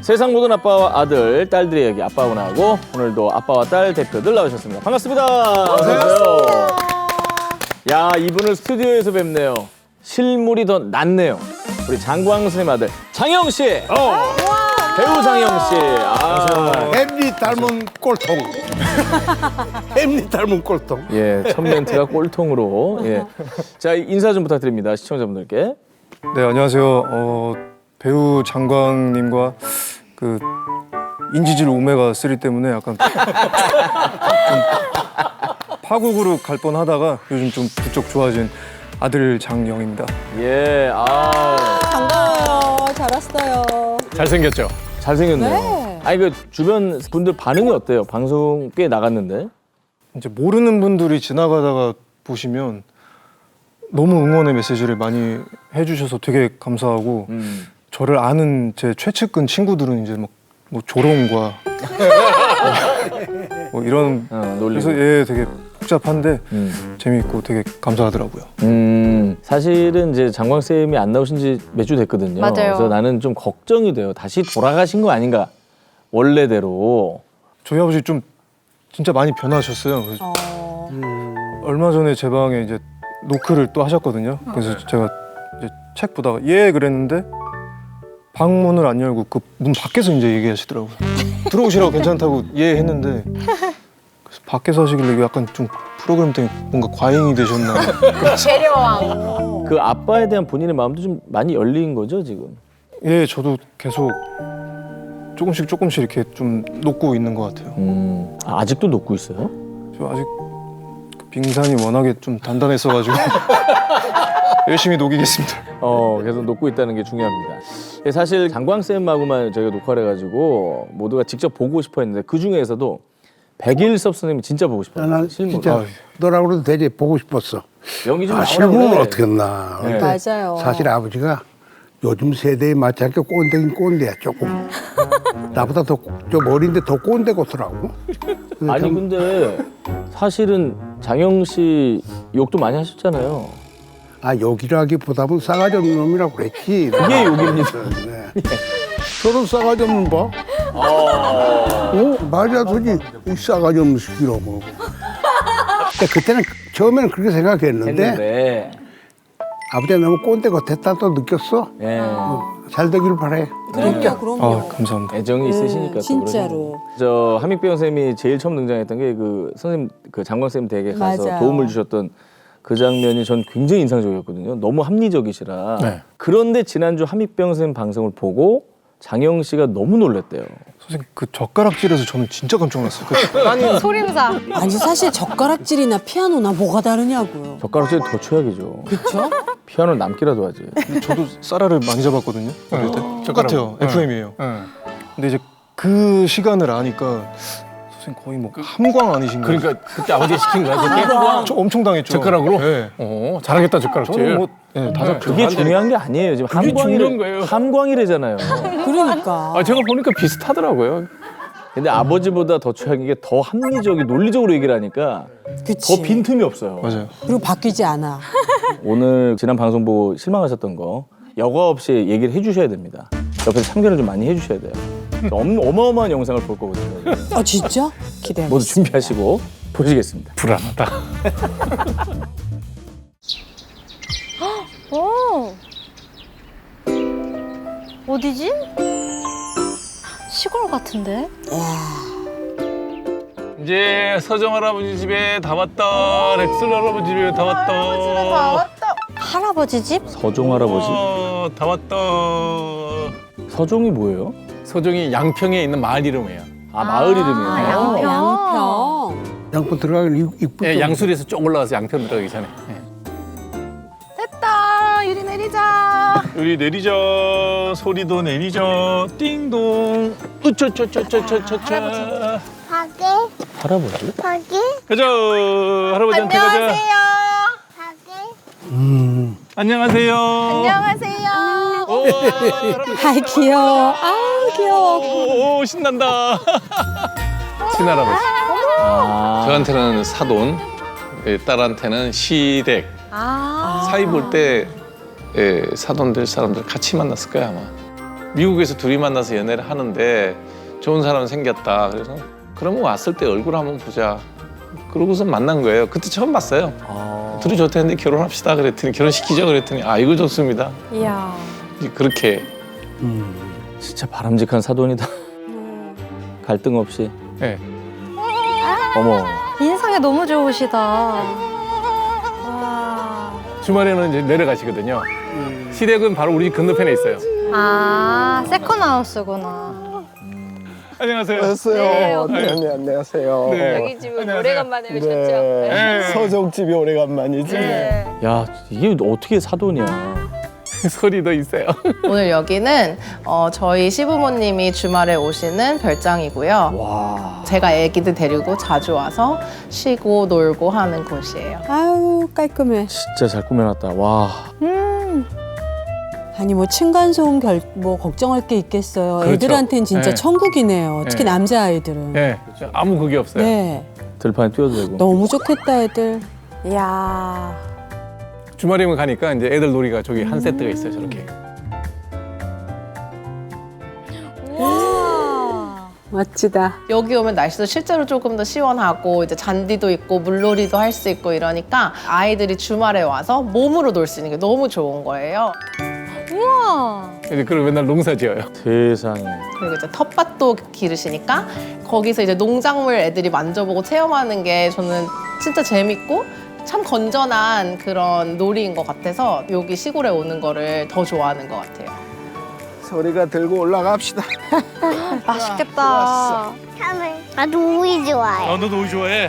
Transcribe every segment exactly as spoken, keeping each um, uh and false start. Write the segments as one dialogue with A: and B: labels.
A: 세상 모든 아빠와 아들, 딸들의 이야기 아빠하고 나하고 오늘도 아빠와 딸 대표들 나오셨습니다. 반갑습니다. 안녕하세요. 야, 이분을 스튜디오에서 뵙네요. 실물이 더 낫네요. 우리 장광 선생님 아들 장영 씨. 어. 배우 장영 씨. 아.
B: 햄릿 닮은 꼴통. 햄릿 닮은 꼴통.
A: 예, 첫 멘트가 꼴통으로. 예. 자, 인사 좀 부탁드립니다. 시청자분들께.
C: 네, 안녕하세요. 어, 배우 장광님과 그 인지질 오메가 쓰리 때문에 약간 좀 파국으로 갈 뻔하다가 요즘 좀 부쩍 좋아진 아들 장영입니다.
A: 예, 아.
D: 반가워요. 잘 왔어요.
A: 잘생겼죠? 잘생겼네요.
D: 네.
A: 아니, 그 주변 분들 반응이 어때요? 방송 꽤 나갔는데.
C: 이제 모르는 분들이 지나가다가 보시면 너무 응원의 메시지를 많이 해주셔서 되게 감사하고
A: 음.
C: 저를 아는 제 최측근 친구들은 이제 막 뭐 조롱과 뭐 이런
A: 어, 놀리고.
C: 그래서 예 되게 복잡한데
A: 음.
C: 재미있고 되게 감사하더라고요.
A: 음, 사실은 이제 장광 쌤이 안 나오신 지 몇 주 됐거든요.
E: 맞아요.
A: 그래서 나는 좀 걱정이 돼요. 다시 돌아가신 거 아닌가? 원래대로.
C: 저희 아버지 좀 진짜 많이 변하셨어요. 그래서
D: 어...
C: 얼마 전에 제 방에 이제 노크를 또 하셨거든요. 그래서 제가 이제 책 보다가 예 그랬는데 방문을 안 열고 그 문 밖에서 이제 얘기하시더라고요. 들어오시라고 괜찮다고 예 했는데 그래서 밖에서 하시길래 이게 약간 좀 프로그램 때문에 뭔가 과잉이 되셨나.
E: 재료왕.
A: 그 아빠에 대한 본인의 마음도 좀 많이 열린 거죠, 지금?
C: 예, 저도 계속 조금씩 조금씩 이렇게 좀 녹고 있는 것 같아요.
A: 음, 아, 아직도 녹고 있어요?
C: 저 아직 그 빙산이 워낙에 좀 단단했어가지고 열심히 녹이겠습니다.
A: 어, 계속 녹고 있다는 게 중요합니다. 예, 사실 장광 쌤하고만 저희가 녹화를 해가지고 모두가 직접 보고 싶어 했는데 그 중에서도 백일섭 선생님이 진짜 보고 싶어요.
B: 난
A: 실물.
B: 진짜
A: 아,
B: 너라고도 되게 보고 싶었어.
A: 연기 좀
B: 아,
A: 나오라
B: 실물은
A: 그래.
B: 어떻게 했나.
A: 네.
B: 근데
D: 맞아요.
B: 사실 아버지가 요즘 세대에 맞지 않게 꼰대긴 꼰대야, 조금. 나보다 더, 좀 어린데 더 꼰대 같더라고.
A: 아니
B: 참-
A: 근데 사실은 장영 씨 욕도 많이 하셨잖아요.
B: 아, 욕이라기보다는 싸가지 없는 놈이라고 그랬지.
A: 그게 욕입니다.
B: 네. 저런 싸가지 없는 봐. 어, 말이야, 도지 이 싸가지 없는 새끼로 뭐. 근데 그때는 처음에는 그렇게 생각했는데
A: 했는데.
B: 아버지가 너무 꼰대 같았다 또 느꼈어.
A: 예.
B: 잘 되길 바래.
D: 그럼요, 그럼요.
C: 아, 감사합니다.
A: 애정이 있으시니까 또
D: 진짜로.
A: 그러시는 저 한익배 선생님이 제일 처음 등장했던 게 그 선생님 그 장광 쌤 댁에 가서
D: 맞아요.
A: 도움을 주셨던 그 장면이 전 굉장히 인상적이었거든요. 너무 합리적이시라.
C: 네.
A: 그런데 지난주 한익배 선생님 방송을 보고 장영 씨가 너무 놀랐대요.
C: 선생님 그 젓가락질에서 저는 진짜 깜짝 놀랐어요. 그
E: 소림사.
D: 아니 사실 젓가락질이나 피아노나 뭐가 다르냐고요.
A: 젓가락질 더 최악이죠.
D: 그렇죠?
A: 피아노 남기라도 하지.
C: 저도 쌀알을 많이 잡았거든요. 어릴 때. 똑같아요. 에프엠이에요. 근데 이제 그 시간을 아니까 선생님 거의 뭐 함광 아니신가요?
F: 그러니까 그때 아버지 시킨 거야 그게?
C: 저 엄청 당했죠.
F: 젓가락으로?
C: 네.
F: 어 잘하겠다 젓가락질.
C: 저는 뭐 네, 다 잡죠.
A: 그게 중요한 게 아니에요. 지금
F: 그게 중요한 거예요.
A: 함광이래, 함광이래잖아요.
D: 그러니까.
F: 아 제가 보니까 비슷하더라고요.
A: 근데 아버지보다 더 최악인 게 더 합리적이 논리적으로 얘기를 하니까
D: 그치.
A: 더 빈틈이 없어요.
C: 맞아요.
D: 그리고 바뀌지 않아.
A: 오늘 지난 방송 보고 실망하셨던 거 여과 없이 얘기를 해주셔야 됩니다. 옆에서 참견을 좀 많이 해주셔야 돼요. 엄, 어마어마한 영상을 볼 거거든요.
D: 아 진짜? 기대하겠습니다.
A: 모두 준비하시고 보시겠습니다.
F: 불안하다.
E: 오. 어디지? 시골 같은데?
F: 이제 서정 할아버지 집에 다 왔다. 렉슬 할아버지 집에 다 왔다.
E: 할아버지 집?
A: 서종 할아버지.
F: 어, 다 왔다.
A: 서종이 뭐예요?
F: 서정이 양평에 있는 마을 이름이에요.
A: 아 마을 이름이에요.
E: 아, 양평.
D: 양평.
B: 양포 들어가기 이쁘죠.
F: 예, 양수리에서 쭉 올라가서 양평 들어가기 전에. 예.
E: 됐다. 유리 내리자.
F: 우리 내리자. 소리도 내리자. 띵동. 으쩌쩌쩌쩌쩌쩌.
G: 가게,
A: 할아버지?
G: 가게,
F: 가자. 할아버지한테 가자.
E: 안녕하세요.
G: 가게.
B: 음.
F: 안녕하세요.
E: 안녕하세요.
F: 오, 할아버지.
D: 아이 귀여워. 아우 귀여워.
F: 오, 신난다. 친할아버지.
A: 아,
F: 저한테는 사돈, 예, 딸한테는 시댁.
E: 아.
F: 사이 볼 때 예, 사돈 될 사람들 같이 만났을 거야 아마. 미국에서 둘이 만나서 연애를 하는데 좋은 사람 생겼다. 그래서 그러면 왔을 때 얼굴 한번 보자. 그러고서 만난 거예요. 그때 처음 봤어요.
A: 아.
F: 둘이 좋다는데 결혼합시다 그랬더니 결혼시키죠 그랬더니 아 이거 좋습니다.
E: 이야.
F: 이제 그렇게
A: 진짜 바람직한 사돈이다. 갈등 없이.
F: 네.
A: 어머.
E: 인상이 너무 좋으시다. 와.
F: 주말에는 이제 내려가시거든요. 시댁은 바로 우리 집 건너편에 있어요.
E: 아, 세컨하우스구나.
F: 안녕하세요.
G: 안녕하세요. 네, 네, 안녕하세요.
F: 네.
H: 여기 집은
F: 안녕하세요.
H: 오래간만에 오셨죠?
G: 네.
F: 네.
G: 서정집이 오래간만이지.
H: 네.
A: 야, 이게 어떻게 사돈이야.
F: 소리도 있어요.
I: 오늘 여기는 어, 저희 시부모님이 주말에 오시는 별장이고요.
A: 와.
I: 제가 애기들 데리고 자주 와서 쉬고 놀고 하는 곳이에요.
D: 아유 깔끔해.
A: 진짜 잘 꾸며놨다. 와.
D: 아니 뭐 층간소음 결, 뭐 걱정할 게 있겠어요.
F: 그렇죠.
D: 애들한테는 진짜
F: 네.
D: 천국이네요. 특히
F: 네.
D: 남자아이들은.
F: 네. 아무 그게 없어요.
D: 네.
A: 들판에 뛰어도 되고.
D: 너무 좋겠다 애들.
E: 이야.
F: 주말이면 가니까 이제 애들 놀이가 저기 한 세트가 있어요. 저렇게.
E: 우와.
D: 멋지다.
I: 여기 오면 날씨도 실제로 조금 더 시원하고 이제 잔디도 있고 물놀이도 할 수 있고 이러니까 아이들이 주말에 와서 몸으로 놀 수 있는 게 너무 좋은 거예요.
E: 우와.
F: 이제 그걸 맨날 농사 지어요.
A: 세상에.
I: 그리고 이제 텃밭도 기르시니까 거기서 이제 농작물 애들이 만져보고 체험하는 게 저는 진짜 재밌고 참 건전한 그런 놀이인 것 같아서 여기 시골에 오는 거를 더 좋아하는 것 같아요.
G: 소리가 들고 올라갑시다.
E: 맛있겠다.
H: 나도 오이 좋아해.
F: 아, 너도 오이 좋아해?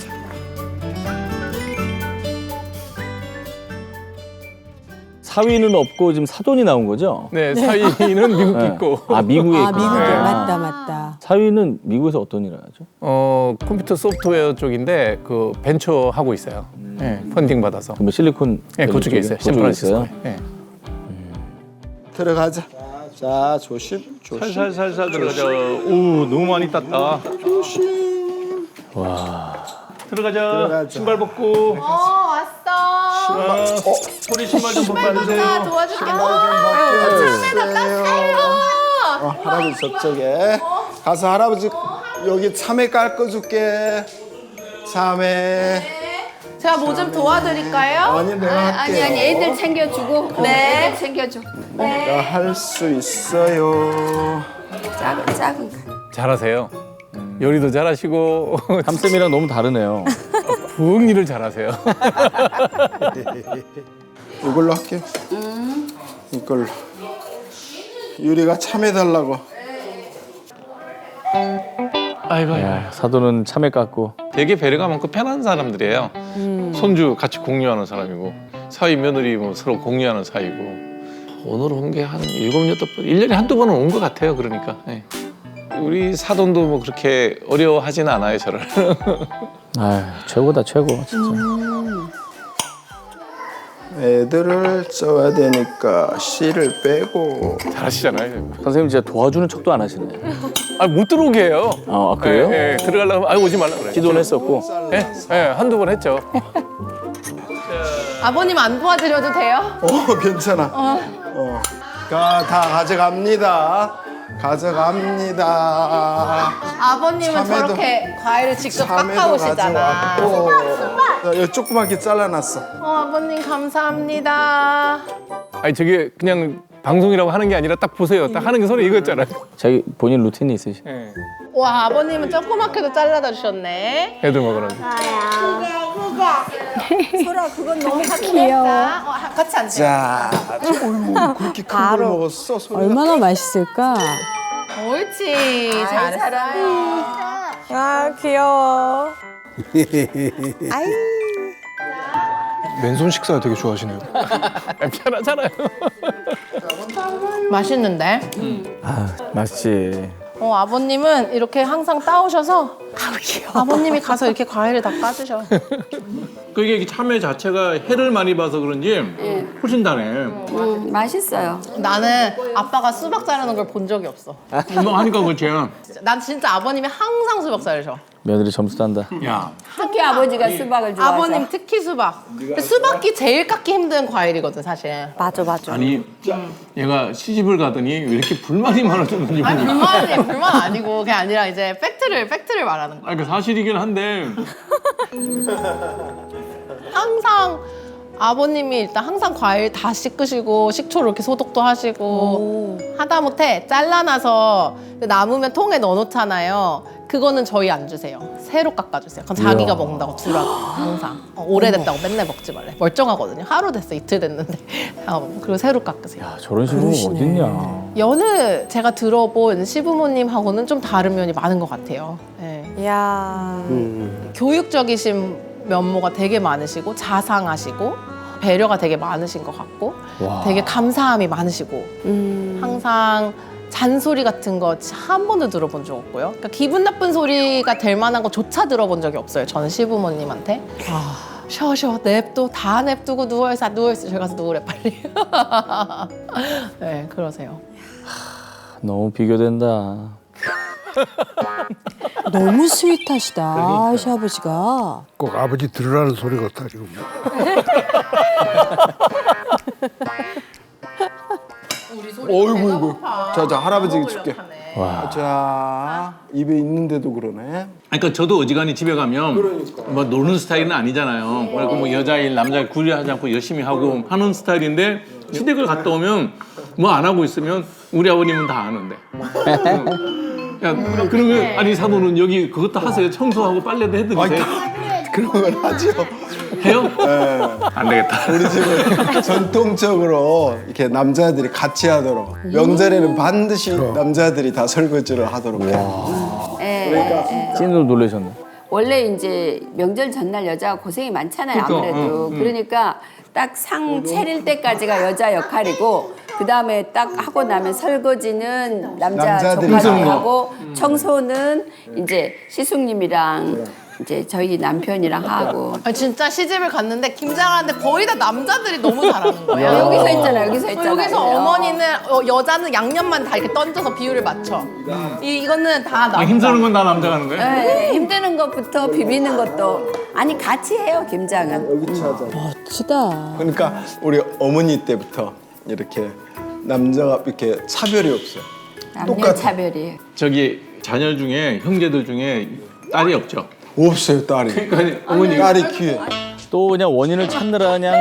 A: 사위는 없고 지금 사돈이 나온 거죠?
F: 네, 사위는 미국
A: 네.
F: 있고.
A: 아, 미국에
D: 아
A: 있구나.
D: 미국에
F: 네.
D: 맞다 맞다.
A: 사위는 미국에서 어떤 일을 하죠?
F: 어, 컴퓨터 소프트웨어 쪽인데 그 벤처 하고 있어요. 네, 펀딩 받아서.
A: 그러면 실리콘
F: 네,
A: 밸리
F: 그쪽에 있어요.
A: 그쪽에 있어요.
F: 샌프란시스코에. 네.
G: 들어가자. 자, 조심, 조심.
F: 살살살살 들어가자. 오, 너무 많이 땄다.
A: 와.
F: 들어가자.
G: 들어가자.
F: 신발 벗고.
I: 어 왔어.
F: 아, 소리 신발 좀 벗어주세요.
I: 도와줄게.
G: 어, 할아버지 저쪽에 가서 할아버지 여기 참외 깎아줄게. 참외.
I: 제가 뭐 좀 도와드릴까요?
G: 아니 내가 할게요.
H: 아니 아니 애들 챙겨주고.
I: 네.
H: 애들 챙겨줘.
G: 내가 할 수 있어요.
H: 작은 작은 거.
F: 잘하세요. 요리도 잘하시고
A: 삼쌤이랑 너무 다르네요.
F: 부엌 일을 잘하세요.
G: 이걸로 할게요. 이걸로. 유리가 참외 달라고.
F: 아이고,
A: 야, 사돈은 참외 깎고.
F: 되게 배려가 많고 편한 사람들이에요. 손주 같이 공유하는 사람이고 사위 며느리 뭐 서로 공유하는 사이고 오늘 온 게 한 일곱 여덟 번, 일 년에 한두 번은 온 것 같아요. 그러니까 예. 우리 사돈도 뭐 그렇게 어려워하지는 않아요, 저를.
A: 아, 최고다 최고 진짜.
G: 애들을 써야 되니까 씨를 빼고.
F: 잘하시잖아요.
A: 선생님 진짜 도와주는 척도 안 하시네.
F: 아, 못 들어오게 해요.
A: 아, 그래요?
F: 예, 예. 들어가려고 하면 아, 오지 말라 그래요.
A: 기도는 했었고.
F: 예, 예, 한두 번 했죠.
I: 아버님 안 도와드려도 돼요?
G: 어, 괜찮아. 어. 가, 다 가져갑니다. 가져갑니다.
I: 아버님은
G: 참외도-
I: 저렇게 과일을 직접
G: 참외도
I: 깎아오시잖아.
G: 가져왔고. 자, 여기 조그맣게 잘라놨어.
I: 어, 아버님 감사합니다.
F: 아니 저게 그냥 방송이라고 하는 게 아니라 딱 보세요. 딱 하는 게 손에 이거였잖아요.
A: 자기 본인 루틴이 있으시.
F: 예.
I: 와, 아버님은 조그맣게도 잘라다 주셨네.
F: 애들 먹으라고.
E: 귀여워.
I: 어, 같이 앉으세요.
G: 자, 어이구, 그렇게 큰 걸 먹었어. 소리가.
D: 얼마나 맛있을까?
I: 옳지. 잘했어요.
E: 아, 귀여워.
C: 맨손 식사 되게 좋아하시네요.
F: 편하잖아요.
I: 맛있는데?
A: 아, 맛있지.
I: 어, 아버님은 이렇게 항상 따오셔서 아버님이 가서 이렇게 과일을 다 까주셔.
F: 그게 참외 자체가 해를 많이 봐서 그런지 훨씬 다네.
H: 음, 맛있어요.
I: 나는 아빠가 수박 자르는 걸 본 적이 없어.
F: 뭐 하니까 그렇지.
I: 난 진짜 아버님이 항상 수박 자르셔.
A: 며느리 점수 딴다.
F: 야,
H: 특히 아버지가 수박을 좋아해서.
I: 아버님 특히 수박. 근데 수박이 제일 깎기 힘든 과일이거든 사실.
E: 맞아, 맞아.
F: 아니 얘가 시집을 가더니 왜 이렇게 불만이 많아졌는지
I: 아니
F: 모르겠어.
I: 불만이 불만 아니고 그게 아니라 이제 팩트를 팩트를 말하는 거야.
F: 아니 그 사실이긴 한데
I: 항상 아버님이 일단 항상 과일 다 씻으시고 식초로 이렇게 소독도 하시고 하다못해 잘라놔서 남으면 통에 넣어놓잖아요. 그거는 저희 안 주세요. 새로 깎아주세요. 그건 자기가 먹는다고 주라고 항상. 어, 오래됐다고 맨날 먹지 말래. 멀쩡하거든요. 하루 됐어, 이틀 됐는데. 어, 그리고 새로 깎으세요.
A: 야, 저런 식으로 어딨냐.
I: 여느 제가 들어본 시부모님하고는 좀 다른 면이 많은 것 같아요. 네.
E: 이야.
I: 교육적이신 면모가 되게 많으시고 자상하시고 배려가 되게 많으신 것 같고
A: 와.
I: 되게 감사함이 많으시고 항상 잔소리 같은 거 한 번도 들어본 적 없고요. 그러니까 기분 나쁜 소리가 될 만한 거조차 들어본 적이 없어요. 저는 시부모님한테. 쉬어 쉬어 냅둬 다 냅두고 누워있어 누워있어 저기 가서 누우래 빨리. 네 그러세요.
A: 너무 비교된다.
D: 너무 스윗하시다 시아버지가.
B: 꼭 아버지 들으라는 소리 같다 지금.
G: 어이구 이구. 자자 할아버지께 줄게.
A: 와.
G: 자 입에 있는데도 그러네.
F: 그러니까 저도 어지간히 집에 가면 뭐 노는 스타일은 아니잖아요. 그리고 뭐 여자일 남자일 구애하지 않고 열심히 하고 하는 스타일인데 시댁을 갔다 오면 뭐 안 하고 있으면 우리 아버님은 다 아는데. 야, 그러면 아니 사모는 여기 그것도 하세요. 청소하고 빨래도 해드리세요.
G: 그런 건 하죠.
F: 해요?
G: 네.
F: 안 되겠다.
G: 우리 집은 전통적으로 이렇게 남자들이 같이 하도록 명절에는 반드시 남자들이 다 설거지를 하도록 해요.
H: 예,
G: 그러니까
H: 예, 예.
A: 찐으로 놀라셨네.
H: 원래 이제 명절 전날 여자가 고생이 많잖아요.
F: 그러니까,
H: 아무래도.
F: 응, 응.
H: 그러니까 딱 상 차릴 때까지가 여자 역할이고 그 다음에 딱 하고 나면 설거지는 남자
G: 남자들이
H: 조카들이
G: 하고.
H: 하고 청소는 이제 시숙님이랑 이제 저희 남편이랑 하고.
I: 아니, 진짜 시집을 갔는데 김장하는데 거의 다 남자들이 너무 잘하는 거예요.
H: 여기서 있잖아요. 여기서 있잖아요.
I: 여기서 어머니는 어, 여자는 양념만 다 이렇게 던져서 비율을 맞춰. 이, 이거는 다 남자.
F: 아, 힘쓰는 건 다 남자가 하는 거예요?
H: 네, 힘드는 것부터 비비는 것도 아니 같이 해요 김장은.
D: 멋지다.
G: 그러니까 우리 어머니 때부터 이렇게 남자가 이렇게 차별이 없어.
H: 남녀
G: 똑같아.
H: 차별이에요.
F: 저기 자녀 중에 형제들 중에 딸이 없죠.
G: 없어요 딸이.
F: 그러니까 어머니
G: 딸이 귀해.
A: 또 그냥 원인을 찾느라 그냥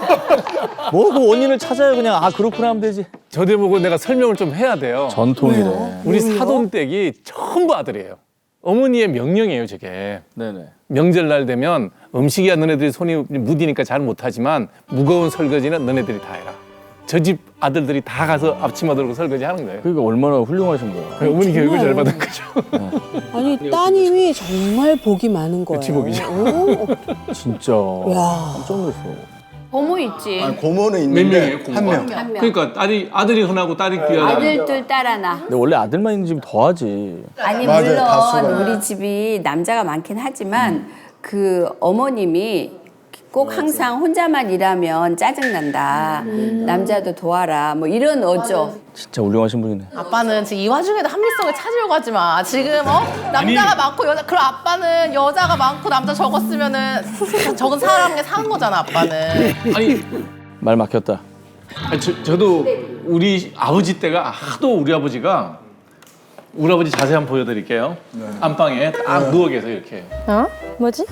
A: 뭐 그 원인을 찾아요 그냥. 아 그렇구나 하면 되지.
F: 저대 보고 내가 설명을 좀 해야 돼요.
A: 전통이래.
F: 우리 사돈댁이 전부 아들이에요. 어머니의 명령이에요, 저게.
A: 네네.
F: 명절날 되면 음식이야 너네들이 손이 무디니까 잘 못하지만 무거운 설거지는 너네들이 다 해라. 저 집 아들들이 다 가서 앞치마 들고 설거지 하는 거예요.
A: 그러니까 얼마나 훌륭하신 거야.
F: 그 어머니 교육을 잘 받은 거죠.
D: 아니 따님이 정말 복이 많은 거예요.
F: 복이죠.
D: 오,
A: 진짜.
D: 야.
A: 깜짝 놀랐어.
H: 고모 있지.
G: 아니, 고모는
F: 몇
G: 있는데
F: 명이에요,
G: 한
F: 고모가?
G: 명.
H: 한 명.
F: 그러니까 딸이 아들이 흔하고 딸이 귀하다.
H: 아들 둘 딸 하나.
A: 근데 원래 아들만 있는 집이 더하지.
H: 아니
G: 맞아요, 다수가.
H: 물론 우리 집이 남자가 많긴 하지만 그 어머님이 꼭 항상 혼자만 일하면 짜증난다. 남자도 도와라. 뭐 이런 어조.
A: 진짜 훌륭하신 분이네.
I: 아빠는 지금 이 와중에도 합리성을 찾으려고 하지 마. 지금 어 남자가 많고 여자 그럼 아빠는 여자가 많고 남자 적었으면은 적은 사람에 사는 거잖아 아빠는.
F: 아니,
A: 말 막혔다.
F: 아니, 저, 저도 우리 아버지 때가 하도 우리 아버지가 우리 아버지 자세 한번 보여드릴게요. 안방에 딱 누워 계세요 이렇게.
E: 어? 뭐지?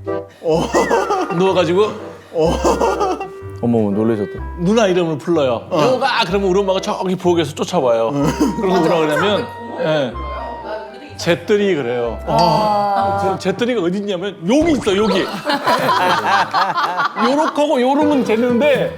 F: 누워가지고
A: 어머 놀라셨다.
F: 누나 이름을 불러요. 여가 그러면 우리 엄마가 저기 부엌에서 쫓아와요. 그러고 뭐라 그러냐면 예. 잿더리 그래요. 제- 잿더리가 어디 있냐면 여기 있어 여기. 요렇게하고 요러면 되는데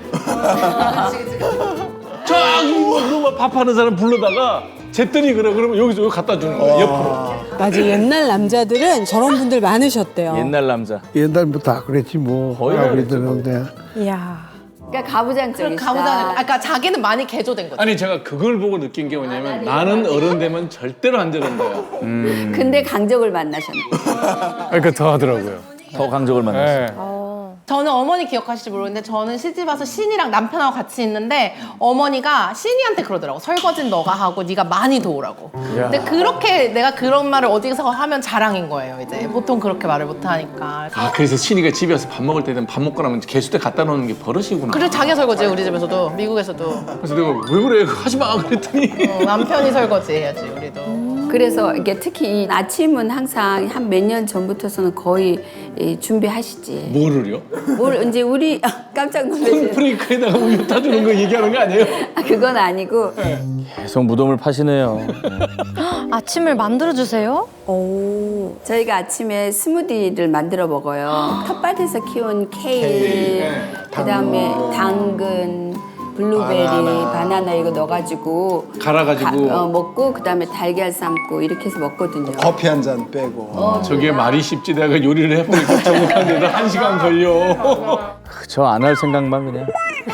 F: 저기 우리 엄마 밥하는 사람 불러다가 잿더리 그래 그러면 여기서 여기 갖다 주는 거예요 옆으로.
D: 맞아 옛날 남자들은 저런 분들 많으셨대요.
A: 옛날 남자.
B: 옛날부터 다 그랬지 뭐.
A: 거의
B: 아무리 들었는데.
E: 이야.
H: 그러니까 가부장적이시다.
I: 가부장. 아까 그러니까 자기는 많이 개조된 거지.
F: 아니 제가 그걸 보고 느낀 게 뭐냐면 나는 어른 되면 절대로 안 저런 거야.
H: 근데 강적을 만나셨네.
F: 그러니까 더 하더라고요.
A: 더 강적을 만났어.
F: 네.
E: 어.
I: 저는 어머니 기억하실지 모르겠는데 저는 시집 와서 신이랑 남편하고 같이 있는데 어머니가 신이한테 그러더라고. 설거지는 너가 하고 네가 많이 도우라고. 근데 그렇게 내가 그런 말을 어디서 하면 자랑인 거예요. 이제 보통 그렇게 말을 못 하니까.
F: 아 그래서 신이가 집에 와서 밥 먹을 때는 밥 먹고 나면 개수대 갖다 놓는 게 버릇이구나.
I: 그리고 자기 설거지 우리 집에서도 미국에서도
F: 그래서 내가 왜 그래 하지 마 그랬더니
I: 어, 남편이 설거지 해야지 우리도.
H: 그래서 이게 특히 이 아침은 항상 한 몇 년 전부터서는 거의 이 준비하시지.
F: 뭐를요?
H: 뭘 이제 우리 아, 깜짝 놀라시네.
F: 프레이크에다가 우유 타주는 거 얘기하는 거 아니에요?
H: 아, 그건 아니고
A: 계속 무덤을 파시네요.
E: 아침을 만들어주세요? 오.
H: 저희가 아침에 스무디를 만들어 먹어요. 텃밭에서 키운 케일, 그다음에 당근, 블루베리, 바나나, 이거 넣어가지고
F: 갈아가지고.
H: 가- 어, 먹고 그다음에 달걀 삶고 이렇게 해서 먹거든요.
G: 커피 한 잔 빼고.
F: 저게 말이 쉽지 내가 요리를 해보니까 정확한데도 한 시간 걸려.
A: 저 안 할 생각만 그냥.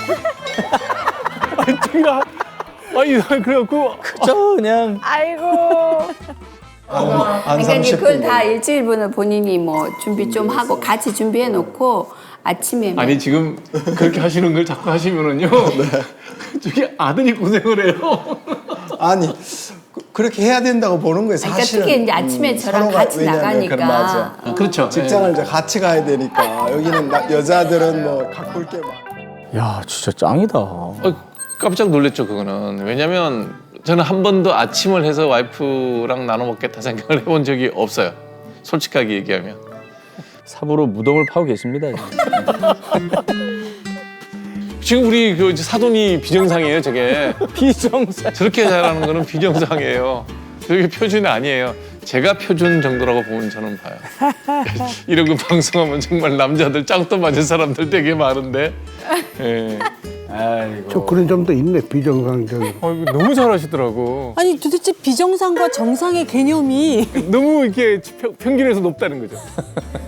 C: 아니 제가 아니 그래갖고
A: 그저 그냥.
E: 아이고.
G: 한
H: 그러니까 이제
G: 삼십
H: 그걸
G: 분.
H: 다 일주일분을 본인이 뭐 준비 좀 하고 같이 준비해 놓고 아침에
F: 아니 지금 그렇게 하시는 걸 자꾸 하시면은요. 저기 아들이 고생을 해요.
G: 아니 그- 그렇게 해야 된다고 보는 거예요.
H: 그러니까
G: 사실은.
H: 특히 이제 아침에 저랑
G: 서로가
H: 같이
G: 왜냐면
H: 나가니까.
G: 그럼 맞아.
F: 아, 그렇죠.
G: 직장을 이제 같이 가야 되니까 여기는 나- 여자들은 뭐 가꿀 게 많아.
A: 야 진짜 짱이다.
F: 어, 깜짝 놀랐죠 그거는. 왜냐면 저는 한 번도 아침을 해서 와이프랑 나눠 먹겠다 생각을 해본 적이 없어요. 솔직하게 얘기하면.
A: 삽으로 무덤을 파고 계십니다.
F: 지금 우리 그 사돈이 비정상이에요 저게.
A: 비정상.
F: 저렇게 잘하는 거는 비정상이에요. 저게 표준이 아니에요. 제가 표준 정도라고 보면 저는 봐요. 이런 거 방송하면 정말 남자들 짱도 맞은 사람들 되게 많은데. 예.
A: 아이고.
B: 저 그런 점도 있네, 비정상적인.
C: 어, 이거 너무 잘하시더라고.
D: 아니 도대체 비정상과 정상의 개념이
C: 너무 이렇게 평, 평균에서 높다는 거죠.